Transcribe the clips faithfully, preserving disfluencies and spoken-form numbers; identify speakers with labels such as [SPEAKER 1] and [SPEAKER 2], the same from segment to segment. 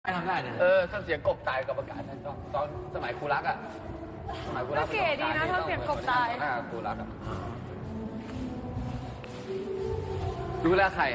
[SPEAKER 1] ทำได้เนี่ย
[SPEAKER 2] เออทำเสียงกบตายกับประกาศนั่นตอนตอนสมัยครูรักอ่ะสมัยครูรัก
[SPEAKER 3] เก๋ดีนะทำเสียงกบตาย
[SPEAKER 2] หน้าครูรักอ่ะรู้แล้วใคร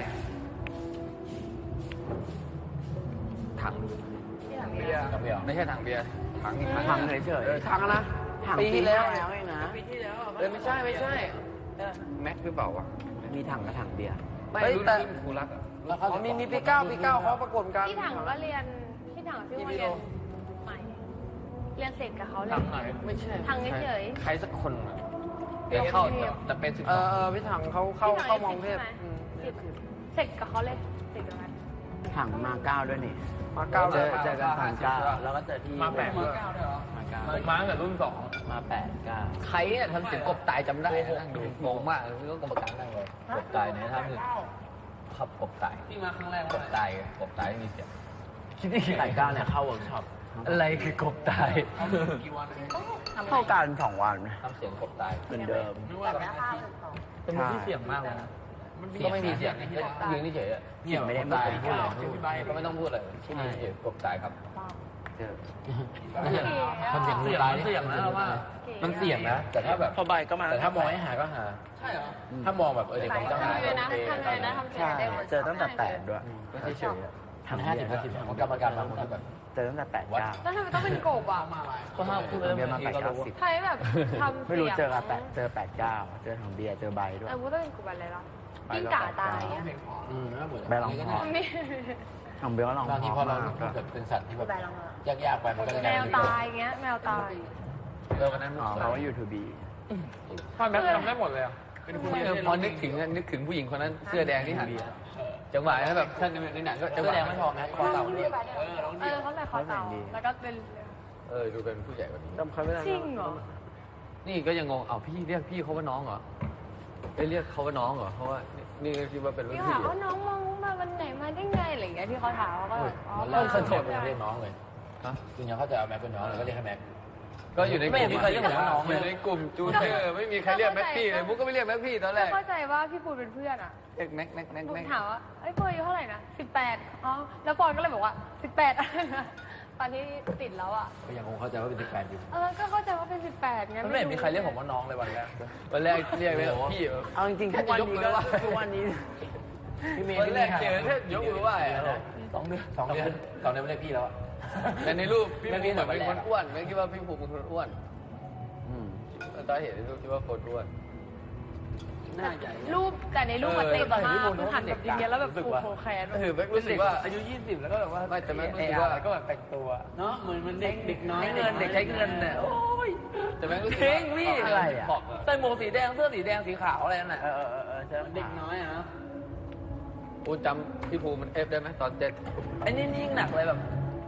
[SPEAKER 2] ถัง
[SPEAKER 3] ที่หลัง
[SPEAKER 2] เบียร์เบียร์ไม่ใช่ถังเบียร์ถังอีกถัง
[SPEAKER 1] ถังเฉยๆ
[SPEAKER 2] เออถังอะนะ
[SPEAKER 1] ถัง
[SPEAKER 2] ปีที่แล้ว
[SPEAKER 1] แล้วเองนะ
[SPEAKER 3] ปีที่แล้ว
[SPEAKER 2] เออไม่ใช่ไม่ใช่แม็กหรือเปล่าวะ
[SPEAKER 1] มีถังกับถังเบียร์
[SPEAKER 2] ไม่
[SPEAKER 4] เฮ้ย
[SPEAKER 2] รุ่น
[SPEAKER 4] แต่
[SPEAKER 2] รุ่นครูรักอ่ะ
[SPEAKER 4] อ๋อมีมีปีเก้าปีเก้าเขาประกวดกัน
[SPEAKER 3] พี่ถังก็เรียนพี่ถังพี่ว่าเรียนใหม่เรียนเสร็จกับเขาเลย
[SPEAKER 2] ถังไหนไม่ใช่
[SPEAKER 3] ถังเฉย
[SPEAKER 2] ใครสักคนอะเรียนเข้าแต่เป็นสิบ
[SPEAKER 4] เอ
[SPEAKER 2] สอง
[SPEAKER 4] อเออพี่ถังเขาเข้าเข้ามองเทพอืม
[SPEAKER 3] เสร็จกับเขาเลยเสร็จกับมัน
[SPEAKER 1] ถังมาเก้าด้วยนี่
[SPEAKER 4] มาเก้า
[SPEAKER 1] เจ
[SPEAKER 4] เล
[SPEAKER 1] อย เจอกันถังเก้าแล้วก็เจอที่
[SPEAKER 2] มาแปด
[SPEAKER 1] มา
[SPEAKER 2] เก้าด้วยเหรอ
[SPEAKER 1] มาเก้า
[SPEAKER 2] ผมมาตั้งแต่รุ่นสอง
[SPEAKER 1] มาแปดเก้า
[SPEAKER 2] ใครเนี่ยทำเสียงกบตายจำได้นะนั่งดูงงมากเลยก็กรรมการนั่งเลยกบตายเนี่ยทำคือขับกบตายที่มาครั้งแรกกบตายกบตายไม่มีเสียงคิดได้
[SPEAKER 1] แปดเก้าเนี่ยเข้าเวิร์กช็อป
[SPEAKER 2] อะไรคือกบตาย
[SPEAKER 1] เข้ากันสองวันนะ
[SPEAKER 2] ทำเสียงกบตาย
[SPEAKER 1] เหมือนเดิม
[SPEAKER 3] แบบแม่ข้าวเลยสอง
[SPEAKER 2] เป็นมือที่เสียงมากเลยนะก็ไม่มีเสียงยืนเฉยๆ
[SPEAKER 1] เสียงไม่ได้พูด
[SPEAKER 2] ตาย
[SPEAKER 1] พูดอะไรพูด
[SPEAKER 2] ก็ไม่ต้องพูดเลยที่นี่เฉยกบตายครับ
[SPEAKER 1] เจอ
[SPEAKER 2] ทำเสียงเสียงเสียงนะเราว่ามันเสียงนะแต่ถ้าแบบ
[SPEAKER 1] พอใบก็มา
[SPEAKER 2] แต่ถ้ามองให้หาก็หาใช่เหรอถ้ามองแบบเออเด็กผมจะหา
[SPEAKER 3] ทำเลยนะทำเลยนะทำเสีย
[SPEAKER 1] ใช่
[SPEAKER 3] งได้หมด
[SPEAKER 1] เจอตั้งแต่แปดด้วย
[SPEAKER 2] ไม่ใช่เฉย
[SPEAKER 1] ถัง
[SPEAKER 2] ห้า
[SPEAKER 1] เบี
[SPEAKER 2] สิ
[SPEAKER 1] ย
[SPEAKER 2] บ
[SPEAKER 1] ร์
[SPEAKER 2] ห้าสิบของกรรมการบางคนแบบ
[SPEAKER 1] เจอตั้งแต่แปดเก้า
[SPEAKER 3] แล้วทำไมต้องเป็นกบอ่ะ
[SPEAKER 2] ก็ห้ามพูด
[SPEAKER 1] ถังเบียร์มาแปดเก้าสิบ
[SPEAKER 3] ใครแบบทำ
[SPEAKER 1] ไม่รู้เจอกับแปดเจอแปดเก้าเจอถังเบียร์เจอใบด้วย
[SPEAKER 3] เออพูดต้องเป็นกบอะไรล่ะกิ้งก่าตายอ่ะ
[SPEAKER 2] อืมน่าเบื่อ
[SPEAKER 1] ใบรองคอ
[SPEAKER 3] นี่
[SPEAKER 1] ถังเบียร์ก็ลอง
[SPEAKER 2] บางทีพอเราพูด
[SPEAKER 1] แบ
[SPEAKER 2] แบบเป็นสัตว์ที่แบบ
[SPEAKER 3] ใบรองคอ
[SPEAKER 2] ยากๆไปมันก็จะ
[SPEAKER 3] แมวตายเงี้ยแมวตาย
[SPEAKER 2] เออวันนั้น
[SPEAKER 1] อ๋อเพราะว่ายูทูบี
[SPEAKER 2] ถ้าแม็กทำได้หมดเลยอ่ะเป็นผู้หญิงพอนึกถึงนึกถึงผู้หญิงคนนั้นเสื้อแดงที่หันจังหวะนั้นแบบท่านในหนังก็จังหวะแดงไม่พอแม็กคอเต่าเรียกเออ
[SPEAKER 3] เออเขาใส่คอเต่าแล้วก็เป็น
[SPEAKER 2] เออดูเป็นผู้ใหญ่กว่านี้
[SPEAKER 4] จำเขาไม่ได้
[SPEAKER 3] จริงเหรอ
[SPEAKER 2] นี่ก็ยังงง เอ้าพี่เรียกพี่เขาว่าน้องเหรอเอ้ยเรียกเขาว่าน้องเหรอ เพราะว่านี่ก็คิดว่าเป็นรุ่น
[SPEAKER 3] พี่
[SPEAKER 2] พี่
[SPEAKER 3] ถามว่าน้องมองมาวันไหนมาได้ไงอะไรอย่างเงี้ยที่เขาถามเขาก็แบบอ๋อ
[SPEAKER 2] มันเริ่มสนุกเรียกน้องเลยฮะจริงๆเขาจะเอาแม็กเป็นน้องเลยก็เรียกให้แม็ก ก็อยู่ในกลุ่มอยู่ในกลุ่มจูเนอร์ไม่มีใครเรียกแม็กพี่เลยมุกก็ไม่เรียกแม็กพี่ตอนแรก
[SPEAKER 3] เข้าใจว่าพี่ปูนเป็นเพื่อนอ่ะ
[SPEAKER 2] เรียกแม็กแม็กแม็ก
[SPEAKER 3] หนู
[SPEAKER 2] แม็ก
[SPEAKER 3] ถามว่าไอ้ยปูนอายุเท่าไหร่นะสิบแปดอ๋อแล้วปอนก็เลยบอกว่าสิบแปดอะไรนะตอนที่ติดแล้วอ่ะ
[SPEAKER 2] ก็ยังคงเข้าใจว่าเป็นสิบแปดอยู่
[SPEAKER 3] เออก็เข้าใจว่าเป็นสิบแปดไง
[SPEAKER 2] มันไม่เห็นมีใครเรียกผมว่าน้องเลยวันแรกวันแรกเรียกเลยพี่
[SPEAKER 1] เอาจริงๆทุกวันนี้ก็ทุกวันนี้พี่เมย์
[SPEAKER 2] วันแรกเจอแค่ยกมือไหว้สองเดือนสองเดือนสองเดือนไม่เรียกพี่แล้วแต่ในรูปพี่ภูมิเหมือนเป็นคนอ้วนไม่คิดว่าพี่ภูมิเป็นคนอ้วน
[SPEAKER 1] อืม
[SPEAKER 2] ตอนเห็นในรูปคิดว่าโคตรอ้วนหน้าใหญ่
[SPEAKER 3] รูปแต่ในรูปมันเต็มมากคือหันแบบอย่างเงี้ยแล้วแบบผูกโคแคน
[SPEAKER 2] เออแม็กรู้สึกว่าอายุยี่สิบแล้วก็แบบว่าไม่แต่แม็กรู้สึกว่าก็แบบแต่งตัว
[SPEAKER 1] เนาะเหมือนมันเด็กเด็กน้อย
[SPEAKER 2] ใช้เงินเด็กใช้เงินเนี่ยโอ้ยแต่แม็กรู้สึก
[SPEAKER 1] เพ่งพี่อะไรอ่ะ
[SPEAKER 2] ใส่หมวกสีแดงเสื้อสีแดงสีขาวอะไรนั่นแหละ
[SPEAKER 1] เออเออเออเออเจอเด็กน้อยอ่ะ
[SPEAKER 2] กูจำพี่ภูมิมันเอฟได้ไหมตอนเต้น
[SPEAKER 1] ไอ้นี่ยิ่งหนักเลยแบบ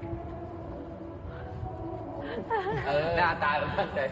[SPEAKER 2] เออหน้าตาแบบตั้งใจ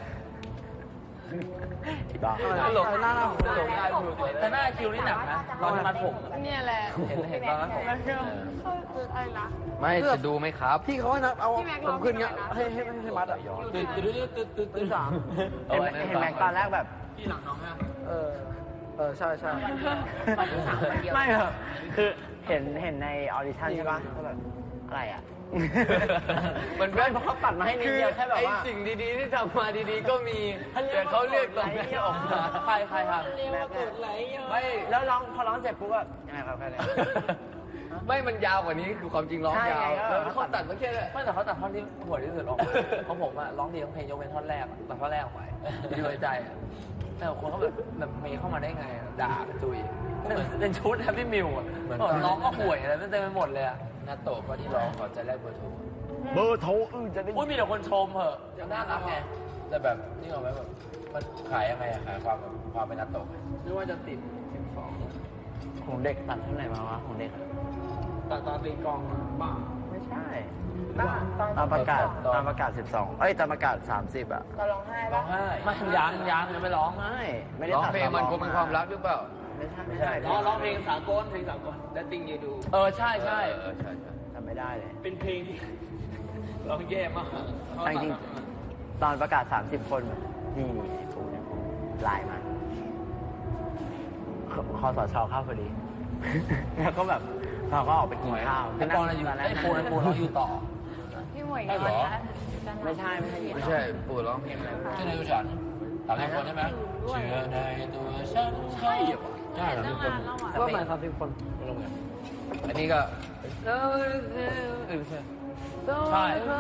[SPEAKER 1] บ้า
[SPEAKER 2] ตลก
[SPEAKER 4] หน้าหน้า
[SPEAKER 2] ตลกได้ถูกแต่หน้าคิวนี่หนักนะตอนที่มัดผม
[SPEAKER 3] เนี่ยแหละ
[SPEAKER 2] เห็นเห็นตอนนั้นผม
[SPEAKER 3] แล้วก็อะไรนะ
[SPEAKER 2] ไม่จะดูไหมครับ
[SPEAKER 4] พี่เขาให้นับเอา
[SPEAKER 3] พี่แม็กซ์
[SPEAKER 4] ผมขึ้นเงี้ย
[SPEAKER 3] ร้องเพล
[SPEAKER 4] ให้
[SPEAKER 3] ง
[SPEAKER 4] ให้ให้มัดอ่ะ
[SPEAKER 2] ตื่นตื่นตื่นตื่นตื่นตื่นสาม
[SPEAKER 1] เห็นไหมเห็นไหมตอนแรกแบบ
[SPEAKER 2] พี่หลังน้องนะ
[SPEAKER 4] เออเออใช่ใช่
[SPEAKER 1] ไม่เหรอคือเห็นเห็นในออดิชั่นใช่ปะก็แบบอะไรอ่ะ
[SPEAKER 2] มันเป็น
[SPEAKER 1] เพราะเขาตัดมาให้นิดเดียวแค่แบบว่า
[SPEAKER 2] ไอ้สิ่งดีๆที่ทำมาดีๆก็มีแต่เขาเลือกตรงนี้ออกมาใครใครครับไม่
[SPEAKER 1] แล้วร้องพอร้องเสร็จปุ๊บก็ยังไงครับแค่นี้
[SPEAKER 2] ไม่มันยาวกว่านี้คือความจริงร้อง
[SPEAKER 1] ใช่
[SPEAKER 2] ยาว
[SPEAKER 1] ไงก็
[SPEAKER 2] แล้วเขาตัดมาแค่นี้ไม่แต่เขาตัดท่อนที่หัวที่สุดออกของผมอะร้องดีทั้งเพลงยกเว้นท่อนแรกอะตัดท่อนแรกออกไปอยู่ในใจอะแต่คนเขาแบบแบบเมย์เข้ามาได้ไงอะด่าเป็นตุยเหมือนเป็นชุดแฮปปี้มิวอะเหมือนร้องก็ห่วยอะไรเต็มไปหมดเลยอะนาโตะก็ที่ร้องก่อนจะแรกเบอร์โทร
[SPEAKER 1] เบอร์โทรอือจะได้
[SPEAKER 2] อุ้ยมีแต่คนชมเหอะน่ารักไงแต่แบบนี่เอาไหมแบบมันขายยังไงอะขายความแบบความเป็นนาโตะไหมไม่ว่าจะติดสิบสอง
[SPEAKER 1] ของเด็กตัดเท่าไหร่มาวะของเด็ก
[SPEAKER 2] ตอนตอนตีกองบ้า
[SPEAKER 1] ไม่ใช่ตามประกาศตามประกาศสิบสองเอ้ยตามประกาศสามสิบอ่ะ
[SPEAKER 3] ก็ร้องไห้
[SPEAKER 2] ร้
[SPEAKER 3] ปะ
[SPEAKER 2] องไห้ไม่ยังยังยังไม่ร้อง
[SPEAKER 1] ไม่ไม่ได้
[SPEAKER 2] ร้อง
[SPEAKER 1] ตัด
[SPEAKER 2] เพลงมันคงเป็นความรักหรือเปล่า
[SPEAKER 1] ไม่ใช่ไม่ใช่
[SPEAKER 5] ร้องร้องเพลงสากลเพลงสากลและติงยูดู
[SPEAKER 2] เออใช่ใช่เออใช่ใช่
[SPEAKER 1] จำไม่ได้เลย
[SPEAKER 5] เป็นเพลงที่ร้องแย่มาก
[SPEAKER 1] แต่จริงๆตอนประกาศสามสิบคนนี่นี่ไอ้ปูเนี่ยไลน์มาคคอสชเข้าพอดี แล้วก็แบบเราก็ออกไปกินข้าว
[SPEAKER 2] ไอ้ปอนอะไรอยู่ไอ้ปูนไอ้ปูนเราอยู่ต่อ
[SPEAKER 3] พี่หมวยนอนแล้ว
[SPEAKER 1] ไม่ใช่ไม่ใช่หยิบ
[SPEAKER 4] ไม่ใช่ปู่ร้องเพลงอะไร
[SPEAKER 2] ชื่อในตัวฉันถามในคนใช่ไหมเชื่อในตัวฉันใช่เหรอใช่เหรอทุกคน
[SPEAKER 4] ก็หมายความเป็นคน
[SPEAKER 2] ไม่รู้ไงอันนี้ก็เออไม่ใช่ใช่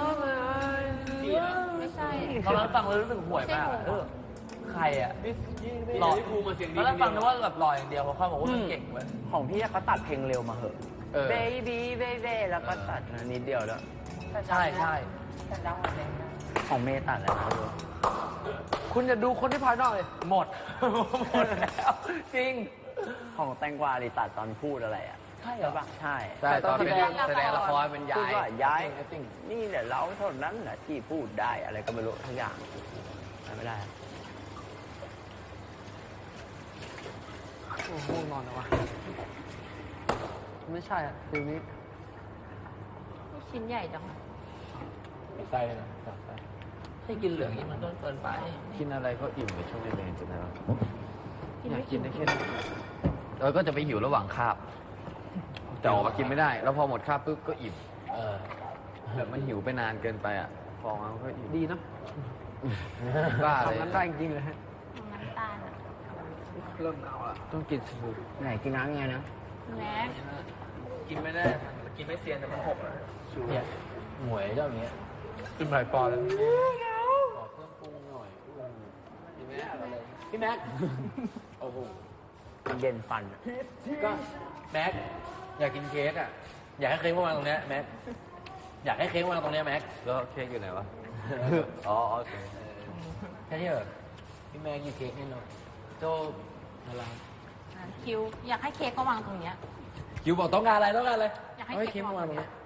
[SPEAKER 3] ไม่ใช่
[SPEAKER 2] ตอนนั้นฟังแล้วรู้สึกห่วยมากเออใครอ่ะห
[SPEAKER 5] ห
[SPEAKER 2] ล่
[SPEAKER 5] ล่
[SPEAKER 2] อ
[SPEAKER 5] อภูมาเสียง
[SPEAKER 2] ต
[SPEAKER 5] ดี
[SPEAKER 2] อนแรกฟังนึกว่าแบบหล่ออย่างเดียวพอเขาบอกว่ามันเก่งเว้ย
[SPEAKER 1] ของพี่เขาตัดเพลงเร็วมาเหอะ
[SPEAKER 4] เออ
[SPEAKER 1] เบบี้เบบี้แล้วก็ตัดมานิดเดียวแล้ว
[SPEAKER 2] ใช่ใช่
[SPEAKER 1] ของเมย์ตัดแล้วนะ
[SPEAKER 4] คุณอย่าดูคนที่ภายนอกเลย
[SPEAKER 2] หมดหมดแล้วจริง
[SPEAKER 1] ของแตงกวาดิตัดตอนพูดอะไรอ่ะ
[SPEAKER 2] ใช่เหรอ
[SPEAKER 1] ปะใช่
[SPEAKER 4] ใช่ตอนเป็นแสดงละครเป็น
[SPEAKER 1] พูด
[SPEAKER 4] ยาย
[SPEAKER 1] ว่าย้ายนี่แหละเราเท่านั้นแหละที่พูดได้อะไรก็ไม่รู้ทุกอย่างจำไม่ได้
[SPEAKER 4] โอ้โหง่วงนอนแล้ววะไม่ใช่อ่ะฟิลนี้
[SPEAKER 3] ชิ้นใหญ่จัง
[SPEAKER 2] ใส่นะใส่ให้กินเหลืองนี่มันก็เกินไป
[SPEAKER 4] กินอะไรก็อิ่มในช่วงเรียนๆจนแล้ว
[SPEAKER 3] กิน
[SPEAKER 4] อยา
[SPEAKER 3] ไม่
[SPEAKER 4] ก
[SPEAKER 3] กิ
[SPEAKER 4] กิ
[SPEAKER 3] น
[SPEAKER 4] นได้แค่นี้เราก็จะไปหิวระหว่างคาบแต่ออกมากินไม่ได้ แล้วพอหมดคาบปุ๊บก็อิ่ม
[SPEAKER 2] เออ
[SPEAKER 4] แบบมันหิวไปนานเกินไปอ่ะ พอมาก็อิ่ม
[SPEAKER 6] ดีนะ
[SPEAKER 4] บ้าเลย
[SPEAKER 6] ทำนั้นได้จริงๆเลยฮะ
[SPEAKER 3] น้ำตาลอะ
[SPEAKER 6] เริ่มเอาละ
[SPEAKER 4] ต้องกินสูตร
[SPEAKER 1] ไหนกินน้ำยังไงนะ
[SPEAKER 3] แม็ก
[SPEAKER 5] กินไม่ได้กินไม่เซียนแต่มันหกอะ
[SPEAKER 2] เนี่ยหมวยเจ้าเนี้ยกินหลายปอนด์แล้วขอเครื่องปรุงหน่อยพี่แม็กพี่แม็กโอ้โห
[SPEAKER 1] เย็นฟันอะ
[SPEAKER 2] ก็แม็กอยากกินเค้กอ่ะอยากให้เค้กมาวางตรงเนี้ยแม็กอยากให้เค้กมาวางตรงเนี้ยแม็ก
[SPEAKER 4] แล้วเค้กอยู่ไหนวะ อ๋อโอเค
[SPEAKER 2] แค่นี้แบบพี่แม็กกินเค้กให้หน่อยโจอะไร
[SPEAKER 3] อ่ะคิวอยากให้เค้กก็วางตรงเนี้ย
[SPEAKER 2] คิวบอกต้องการอะไรต้องการอะไร
[SPEAKER 3] อยากให้
[SPEAKER 2] ให้
[SPEAKER 3] เค้
[SPEAKER 2] เค้
[SPEAKER 3] ก
[SPEAKER 2] กมาวางตรงเนี้ย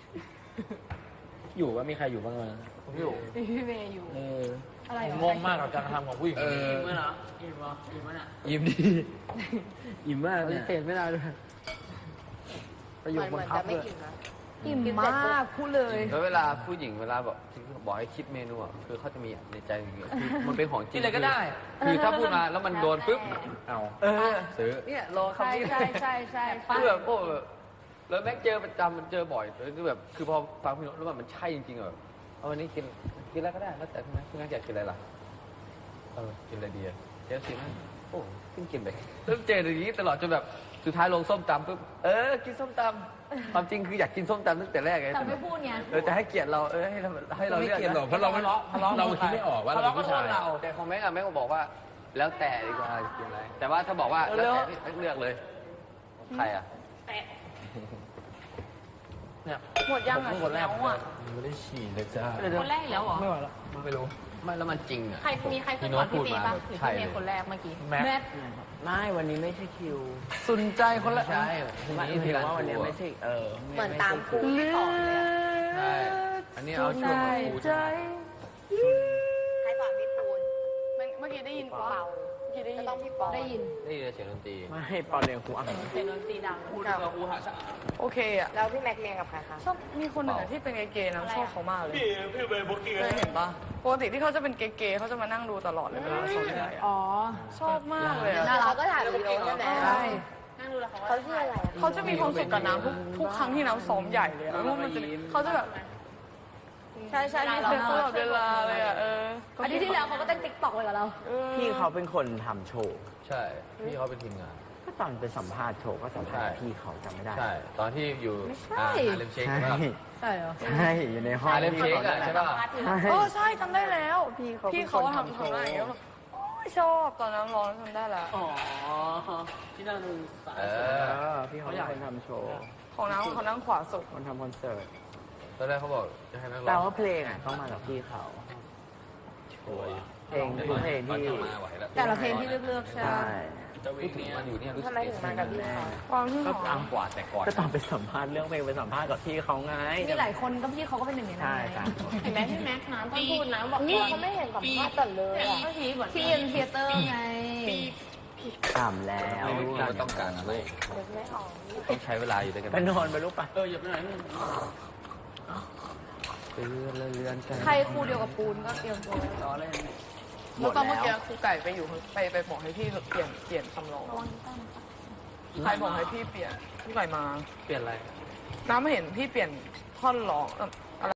[SPEAKER 2] อยู่ว่ามีใครอยู่บ้างไหม
[SPEAKER 4] อยู่
[SPEAKER 3] พี่เมย์อยู่
[SPEAKER 2] เออ
[SPEAKER 3] อะไร
[SPEAKER 2] ผม
[SPEAKER 3] เหรอง
[SPEAKER 2] งมากกับการกระทำของผู้หญิง
[SPEAKER 4] เออ
[SPEAKER 5] อิ่มไหมเหรออิ่มเหรออิ่มไหมน่ะ
[SPEAKER 2] ยิ้มดียิ้มมาก
[SPEAKER 6] ปฏิ
[SPEAKER 2] เนี่ย
[SPEAKER 6] เสธไม่ได้ด้วยประโยคบังคับเลย
[SPEAKER 3] อิ่มมากพูดเลย
[SPEAKER 4] แล้วเวลาผู้หญิงเวลาแบบที่บอกให้คิดเมนูอ่ะคือเขาจะมีในใจอย่างเงี้ยคือมันเป็นของจริ
[SPEAKER 2] กิ
[SPEAKER 4] ง
[SPEAKER 2] นอะไรก็ได้
[SPEAKER 4] คือคือถ้าพูดมาแล้วมันโดนปุ๊บเอา
[SPEAKER 2] เออ
[SPEAKER 4] ซื้อ
[SPEAKER 6] เนี่ยรอ
[SPEAKER 3] ใช่
[SPEAKER 6] คำนี้
[SPEAKER 3] ใช่ใช่ใช่
[SPEAKER 4] คือแบบโอ้แบบแล้วแม่งเจอประจำมันเจอบ่อยแล้วคือแบบคือพอฟังพี่โน้ตแล้วมันใช่จริงๆแบบเอาวันนี้กินกินอะไรก็ได้แล้วแต่พี่แม่พี่แม่อยากกินอะไรล่ะเออกินอะไรดีอะเดี๋ยวสิแม่โอ้กินกินไปเริ่มเจออย่างนี้ตลอดจนแบบสุดท้ายลงส้มตำปุ๊บเออกินส้มตำความจริงคืออยากกินส้มตำตั้งแต่แรกไง
[SPEAKER 3] แต่ไม่พูดไง
[SPEAKER 4] เออแต่ให้เกียรติเราเออให้เราให้เรา
[SPEAKER 2] ไม่
[SPEAKER 4] เลือก
[SPEAKER 2] เกลียดหรอก
[SPEAKER 4] นะ
[SPEAKER 2] เพราะเราไม่เราคิดไม่ออกว่าเราเป็นผู้ชาย
[SPEAKER 4] แต่ของแม่กับแม่ก็บอกว่า แล้วแต่ดีกว่าจะกินอะไรแต่ว่าถ้าบอกว่าแล้วแต่พี่เลือกเลยใครอ่ะ
[SPEAKER 2] เนี่ย
[SPEAKER 3] หมดยังอ่ะ
[SPEAKER 2] คนแรก
[SPEAKER 3] แล้วอ่ะ
[SPEAKER 2] ไม่ได้ฉี่เลยจ้า
[SPEAKER 3] คนแรกอีกแล้วเหรอ
[SPEAKER 6] ไม่ไหวแล้ว
[SPEAKER 2] ไม่รู้
[SPEAKER 4] ไม่แล้วมันจริงอ่ะ
[SPEAKER 3] ใครมีใครพูดก่อนพี่เมย์ป่ะหรือพี่เมย์คนแรกเมื่อกี้
[SPEAKER 2] แม็ก
[SPEAKER 3] แม็ก
[SPEAKER 1] ไม่วันนี้ไม่ใช่คิว
[SPEAKER 6] สุนใจคนละ
[SPEAKER 4] ใช่ที
[SPEAKER 1] ไม่
[SPEAKER 4] นี้
[SPEAKER 1] ถื
[SPEAKER 4] ที
[SPEAKER 1] อ
[SPEAKER 4] ร้าน
[SPEAKER 1] ว่าวัน
[SPEAKER 4] ค
[SPEAKER 1] นี้
[SPEAKER 4] รู
[SPEAKER 1] ไม่ใช่เออ
[SPEAKER 3] เหมือนตามครูที่สอนเลยอะ
[SPEAKER 4] ใช่อันนี้เอาช่วงของครูใช่ไหม
[SPEAKER 3] ใครสอนพี่ปูน
[SPEAKER 7] เมื่อกี้ได้ยิน
[SPEAKER 3] เปา
[SPEAKER 7] เปล่าเมื่อกี้ได้ยิน
[SPEAKER 3] ต้องพี่ปอได้ยิน
[SPEAKER 4] ได้ยินเสียงดนตรี
[SPEAKER 1] ไม่ให้ปอเรียนครูอ่ะ
[SPEAKER 3] เป็นดนตรีดัง
[SPEAKER 5] พูดกับอูหาชา
[SPEAKER 7] โอเคอะ
[SPEAKER 3] แล้วพี่แม็กเรียนกับใครคะ
[SPEAKER 7] ชอบมีคนหนึ่งอะที่เป็นเกย์ๆนะชอบเขามากเลย
[SPEAKER 5] พี่พี่ไปบุกกี้
[SPEAKER 7] เคยเห็นปะปกติที่เขาจะเป็นเกย์ๆเขาจะมานั่งดูตลอดเลยเวลาสอนใหญ่อะ
[SPEAKER 3] อ๋อ
[SPEAKER 7] ชอบมากเลยอะ
[SPEAKER 3] น่ารักก็ถ่ายวิดีโอใช่ไหม
[SPEAKER 7] ใช่
[SPEAKER 3] นั่งดูแล้วเขาเขาชื่ออะไรอะ
[SPEAKER 7] เขาจะมีความสุขกับน้ำทุกทุกครั้งที่น้ำซ้อมใหญ่เลยอะเพราะมันจะเขาจะแบบใช่ใช่มีเซ็ตตลอดเวลาเลยอะเออ
[SPEAKER 3] อาทิตย์ที่แล้วเขาก็เต้นติ๊กต็อกเลยกับเรา
[SPEAKER 7] เออ
[SPEAKER 1] พี่เขาเป็นคนทำโชว์
[SPEAKER 4] ใช่ พี่เขาเป็นทีมงาน
[SPEAKER 1] ก็ตอนไปสัมภาษณ์โชว์ก็สัมภาษณ์พี่เขาจำไม่ได้
[SPEAKER 4] ใช่ ตอนที่อยู่
[SPEAKER 3] ไม่ใช่
[SPEAKER 4] อ่าฮาเลมเชค
[SPEAKER 1] ใช่
[SPEAKER 4] ใช่ปะ
[SPEAKER 3] ใช่เหรอ
[SPEAKER 1] ใช่อยู่ในห้อง
[SPEAKER 4] ฮาเลมเชคอะใช่ปะ
[SPEAKER 1] ใช่
[SPEAKER 7] เออใช่จำได้แล้ว
[SPEAKER 1] พี่เขา
[SPEAKER 7] พี่เขาทำทำอะไรอย่างเงี้ยแบบโอ้ยชอบตอนนั้นร้องจำได้แล้ว
[SPEAKER 5] อ๋อที่นั่งดูสาย
[SPEAKER 4] เอ
[SPEAKER 1] เอ
[SPEAKER 4] อ
[SPEAKER 1] อพี่เขาเป็นคนทำโชว์
[SPEAKER 7] ของน้ำเขานั่งขวาสุด
[SPEAKER 1] คนทำคอนเสิร์ต
[SPEAKER 4] ตอนแรกเขาบอกจะให้นักร้
[SPEAKER 1] แต่
[SPEAKER 4] อง
[SPEAKER 1] ว่าเพลงอ่ะต้องมาจากพี่เขา
[SPEAKER 4] โอ้ย
[SPEAKER 1] เพลงทุกเพลง
[SPEAKER 4] ตอน
[SPEAKER 1] ที่
[SPEAKER 4] นี้มาไหวแล้ว
[SPEAKER 3] แต่ละเพลงที่เลือกๆใช่
[SPEAKER 1] ใช่
[SPEAKER 5] จะ
[SPEAKER 4] พู
[SPEAKER 5] วิ่
[SPEAKER 4] ด
[SPEAKER 5] ง
[SPEAKER 4] ถึง
[SPEAKER 5] เนี่ย
[SPEAKER 4] มันอยู่เนี่ยรู้สึก
[SPEAKER 3] ทำไมถึงมากับพี่เขา
[SPEAKER 7] ความที่ห
[SPEAKER 4] ก็
[SPEAKER 7] อ
[SPEAKER 4] ตาม
[SPEAKER 7] ม
[SPEAKER 4] กว่าแต่ก่อน
[SPEAKER 1] ก็ตอนไปสัมภาษณ์เรื่องเพลงไปสัมภาษณ์กับพี่เขาไง
[SPEAKER 3] มีหลายคนก็พี่เขาก็เป็นหนึ่งในนั้น
[SPEAKER 1] ใช่
[SPEAKER 3] ไง
[SPEAKER 1] ครับ
[SPEAKER 3] เห็นไหมพี่แม็กซ์นะต้องพูดนะบอกพี่เขาไม่เห็นสัมภาษณ์กันเลยอะที่เอ็มเทเตอร์ไง
[SPEAKER 1] ถามแล้ว
[SPEAKER 4] ไม่รู้ว่าต้องการอะไร
[SPEAKER 3] นึกไม่ออก
[SPEAKER 4] ต้องใช้เวลาอยู่ด้วยกัน
[SPEAKER 1] ไปนอนไปลูกไป
[SPEAKER 5] เอออย่าไปไหน
[SPEAKER 4] เรือนเรือนกัน
[SPEAKER 3] ใครครูเดียวกับปูนก็เตรียมตัวไว้
[SPEAKER 5] ล้อเล่น
[SPEAKER 1] หม
[SPEAKER 7] แล้ว
[SPEAKER 1] ด
[SPEAKER 7] ตอนเมื่อ
[SPEAKER 1] แล้
[SPEAKER 7] กี้
[SPEAKER 1] ว
[SPEAKER 7] ครูไก่ไปอยู่ไปไปบอกให้พี่เปลี่ยนเปลี่ยนคำร้อง
[SPEAKER 3] ระวังตั้ง
[SPEAKER 5] ก
[SPEAKER 7] ใครบอกให้พี่เปลี่ยนพี่ไก่มา
[SPEAKER 4] เปลี่ยนอะไร
[SPEAKER 7] น้ำไม่เห็นพี่เปลี่ยนท่อนร้องเอ่ออะไร